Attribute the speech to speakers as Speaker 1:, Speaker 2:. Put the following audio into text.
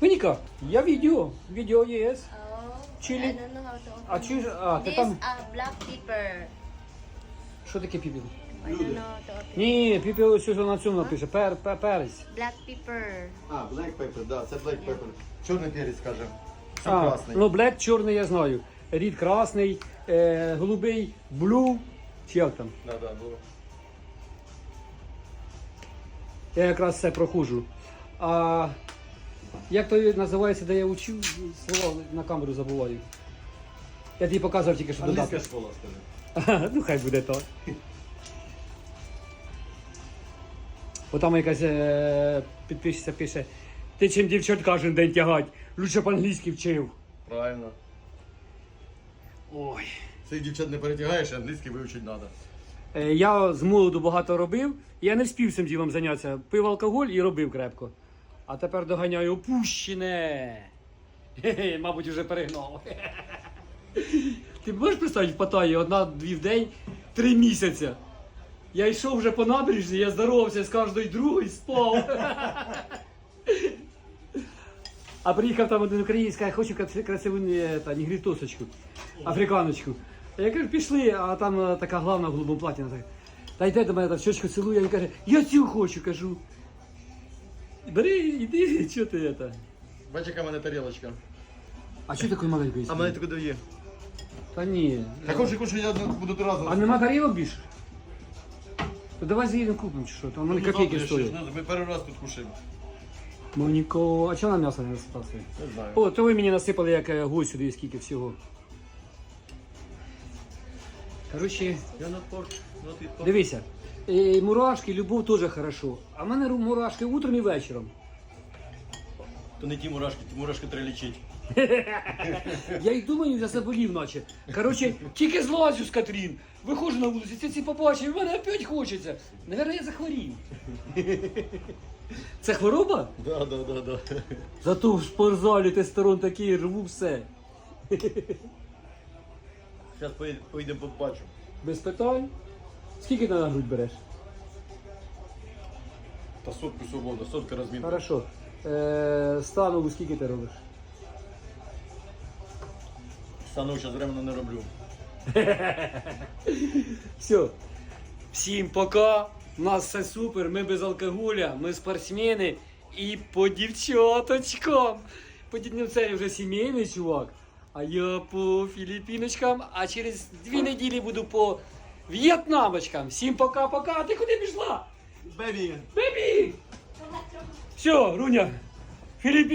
Speaker 1: Моніка, я відео є.
Speaker 2: Oh,
Speaker 1: Chili.
Speaker 2: I don't know how to open.
Speaker 1: А чи а, ти
Speaker 2: This
Speaker 1: там,
Speaker 2: black pepper.
Speaker 1: що таке піпіл?
Speaker 2: I don't know how to open.
Speaker 1: Ні, піпіл ось на цьому напише, перець.
Speaker 2: Black pepper.
Speaker 3: А, black pepper, да, це black pepper. Чорний перець, скажем. Це
Speaker 1: А,
Speaker 3: красний.
Speaker 1: ну, блек чорний я знаю. Рід красний, голубий, блю, чи як там.
Speaker 3: Да, да, було.
Speaker 1: Я якраз це проходжу. А як то називається, де я учив, слова на камеру забуваю. Я тобі показував тільки що
Speaker 3: Англійська
Speaker 1: додати.
Speaker 3: школа, скажи.
Speaker 1: Ну хай буде так. Бо там якась підписчиця пише, ти чим дівчат кожен день тягать, лучше б англійський вчив.
Speaker 3: Правильно.
Speaker 1: Ой.
Speaker 3: Цих дівчат не перетягаєш, англійський вивчити треба.
Speaker 1: Я з молоду багато робив, я не встиг цим ділом зайнятися. Пив алкоголь і робив крепко. А тепер доганяю опущене. Хе-хе, мабуть, вже перегнав. Ти можеш представити в Паттайі 1-2 в день 3 місяці? Я йшов вже по набережні, я здоровався з кожною другою, спав. А приїхав там один українець, каже, хочу красиву нігрітосочку, африканочку. Я кажу, пішли, а там така главна в голубому платі. Вона така, та йде до мене, там щочку цілує, він каже, я цю хочу, кажу. Бери, іди, що ти це?
Speaker 3: Бачиш, яка в мене тарілочка.
Speaker 1: А що такої маленької?
Speaker 3: А мене таке дає.
Speaker 1: Та ні.
Speaker 3: Так хочу, я буду три рази.
Speaker 1: А нема тарілок більше? То давай заїдемо купимо чи що, там вони копійки стоять.
Speaker 3: Ми перший раз тут кушаємо.
Speaker 1: Моніко, а чого на м'ясо не насипався?
Speaker 3: Не знаю.
Speaker 1: О, то ви мені насипали як гусь сюди, скільки всього. Коротше,
Speaker 3: Я на порт.
Speaker 1: дивися, мурашки, любов теж хорошо. А в мене мурашки утром і вечором.
Speaker 3: То не ті мурашки треба лічити.
Speaker 1: Я й думаю, я заболів наче. Коротше, тільки злазю з Катрін. Виходжу на вулицю, ці побачив, і мене опять хочеться. Наверно, я захворів. Це хвороба?
Speaker 3: Да.
Speaker 1: Зато в спортзалі тестостерон такий, рву все.
Speaker 3: Зараз поїдемо побачу.
Speaker 1: Без питань. Скільки ти на грудь береш?
Speaker 3: Та сотку свобода, сотка розмінка.
Speaker 1: Хорошо. Станову скільки ти робиш?
Speaker 3: Стану зараз временно не роблю.
Speaker 1: Все. Всім пока. У нас все супер. Ми без алкоголя, ми спортсмени і по дівчаточкам. По діднівцеві вже сімейний чувак. А я по філіпіночкам, а через 2 неділі буду по в'єтнамочкам. Всім пока-пока. Ти куди пішла?
Speaker 3: Бебі!
Speaker 1: Бебі! Все, Руня. Філіпі.